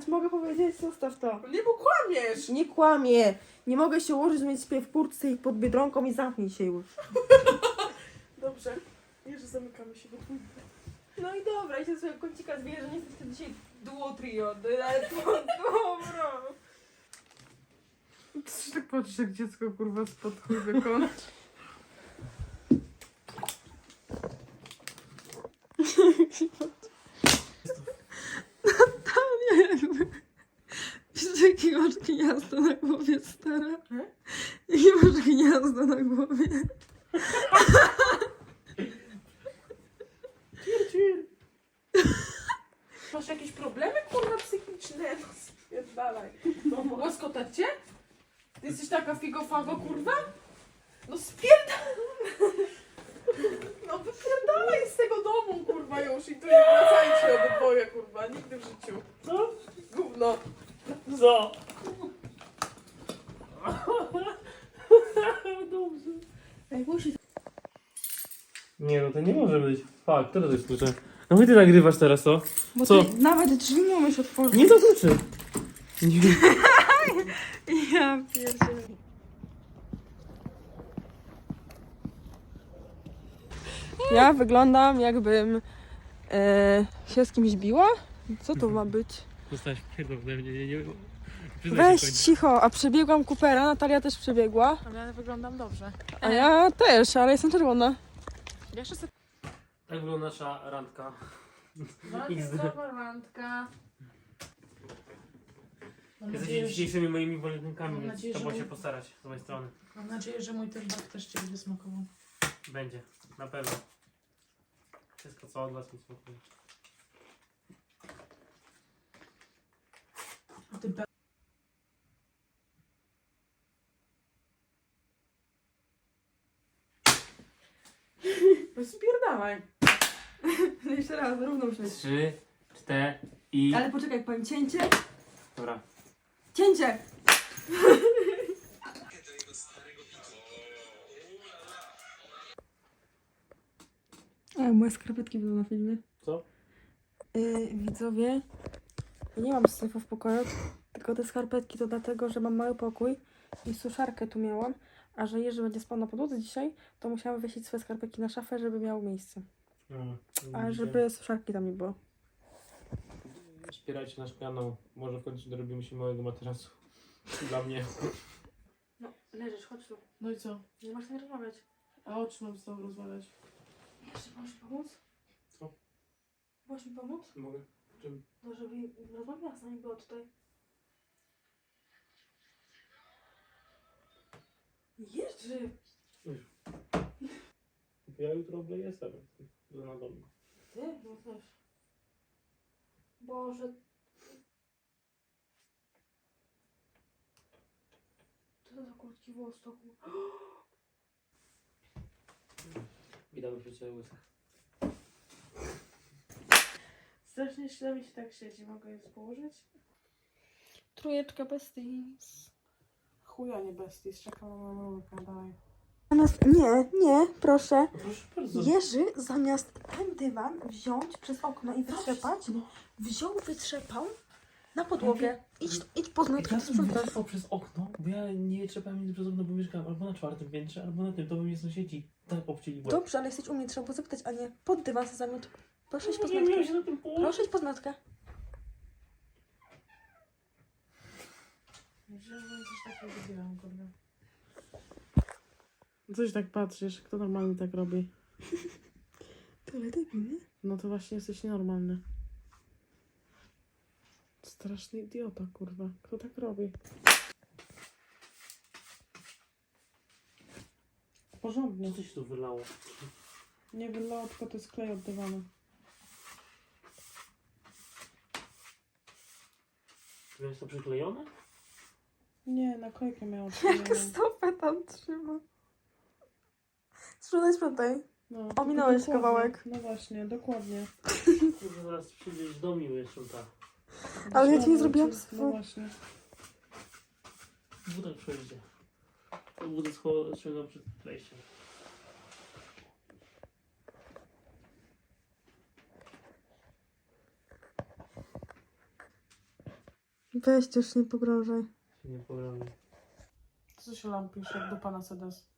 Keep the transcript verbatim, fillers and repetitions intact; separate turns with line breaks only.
teraz mogę powiedzieć, zostaw to.
Nie, bo kłamiesz!
Nie kłamie. Nie mogę się ułożyć, mieć śpię w kurtce i pod Biedronką i zamknij się już.
Dobrze. Nie, że zamykamy się do dwóch.
No i dobra, i się sobie kącika zwierzę, że nie jesteście dzisiaj duo trio. Ale dobra.
To się tak patrzysz, jak dziecko kurwa spod chuj wykona.
Natalia jakby... Wiesz, jakie masz gniazdo na głowie, stara?
Hmm?
Jakie masz gniazdo na głowie?
Cir, cir. Masz jakieś problemy kurwa psychiczne? No spierdalaj. No, łaskotać cię? Ty jesteś taka figofago kurwa? No spierdalaj! No wypierdalaj z tego domu kurwa już i tu nie wracajcie obydwoje kurwa, nigdy w życiu.
Co?
Gówno.
Co? Dobrze.
Ej, musi...
Nie no, to nie może być. Fakt, teraz jest klucze. No i ty nagrywasz teraz to?
Bo
Co?
ty nawet drzwi nie umiesz otworzyć.
Nie to kluczy.
Ja pierdzielę. Ja wyglądam jakbym e, się z kimś biła? Co to ma być?
Dostałeś pierdol ode mnie, nie, nie, nie.
Weź cicho, a przebiegłam Coopera, Natalia też przebiegła.
Ale ja wyglądam dobrze.
A ja też, ale jestem czerwona.
Jeszcze sobie...
Tak wygląda nasza randka.
Randka, randka. Mam
Jesteście
nadzieję, że,
dzisiejszymi moimi walentynkami,
Mam
więc
nadzieję,
trzeba
że-
się postarać z mojej strony.
mam nadzieję, że mój ten bak też Cię będzie smakował.
Będzie, na pewno. Wszystko co od was mi smakuje.
A ty be... No spierdalaj.
Jeszcze raz, równo musimy.
Trzy, cztery i...
Ale poczekaj, powiem cięcie.
Dobra.
Cięcie! A, moje skarpetki były na filmie.
Co?
Yy, widzowie, ja nie mam syfu w pokoju, tylko te skarpetki to dlatego, że mam mały pokój i suszarkę tu miałam, a że Jerzy będzie spał na podłodze dzisiaj, to musiałam wywiesić swoje skarpetki na szafę, żeby miało miejsce.
Mm,
A
widzicie?
żeby suszarki tam nie było.
Wspierajcie nasz kanał. Może w końcu dorobimy się małego materacu. Dla mnie.
No, leżysz, chodź tu.
No i co?
Nie masz nie rozmawiać.
A o czym mam z Tobą rozmawiać?
Jeszcze możesz mi pomóc?
Co?
Możesz mi pomóc?
Mogę? Czym?
No, żeby rozmawiała z nami, była tutaj. Jerzy!
Ja jutro obleję sobie. Do na domu.
Ty? No też. Boże. Co to za krótki włos to był?
Witamy przy ciebie łysych.
Strasznie źle mi się tak siedzi. Mogę je położyć?
Trójeczka besties.
Chuja nie besties. Czekam na moją rurkę. Daj.
Zamiast... Nie, nie, proszę.
Proszę bardzo.
Jerzy zamiast ten dywan wziąć przez okno i wytrzepać, wziął, wytrzepał na podłogę. Idź, idź poznać,
Ja
kto
bym
sprząta.
wytrwał przez okno, bo ja nie trzepałem nigdy przez okno, bo mieszkałem albo na czwartym piętrze, albo na tym, to by mnie sąsiedzi tak obcięli łeb.
Dobrze, ale jesteś u mnie, trzeba było zapytać, a nie pod dywan se zamiot. Proszę iść po
Nie miałem
znatkę.
się na tym położyć.
Proszę iść po znatkę.
Myślę, że coś takiego zrobiłam, kurde. Coś tak patrzysz, kto normalnie tak robi?
Tyle debilny.
No to właśnie jesteś nienormalny. Straszny idiota, kurwa. Kto tak robi? Porządnie.
Co coś tu wylało?
Nie wylało, tylko to jest klej od dywanu.
Czy jest to przyklejone?
Nie, naklejkę miało.
Jak stopę tam trzyma. Sprzątaj, sprzątaj.
No,
Ominąłeś
dokładnie.
kawałek.
No właśnie, dokładnie.
Kurde, zaraz przyjdziesz do miły jeszcze tak.
Ale ja ci nie
No,
zrobiłam
No
swojego.
właśnie.
Wódek przejdzie. To wódek ściągam przed wejściem.
Weź też nie pogrążaj.
Się nie pogrążę.
Co się lampisz jak dupa na sedes?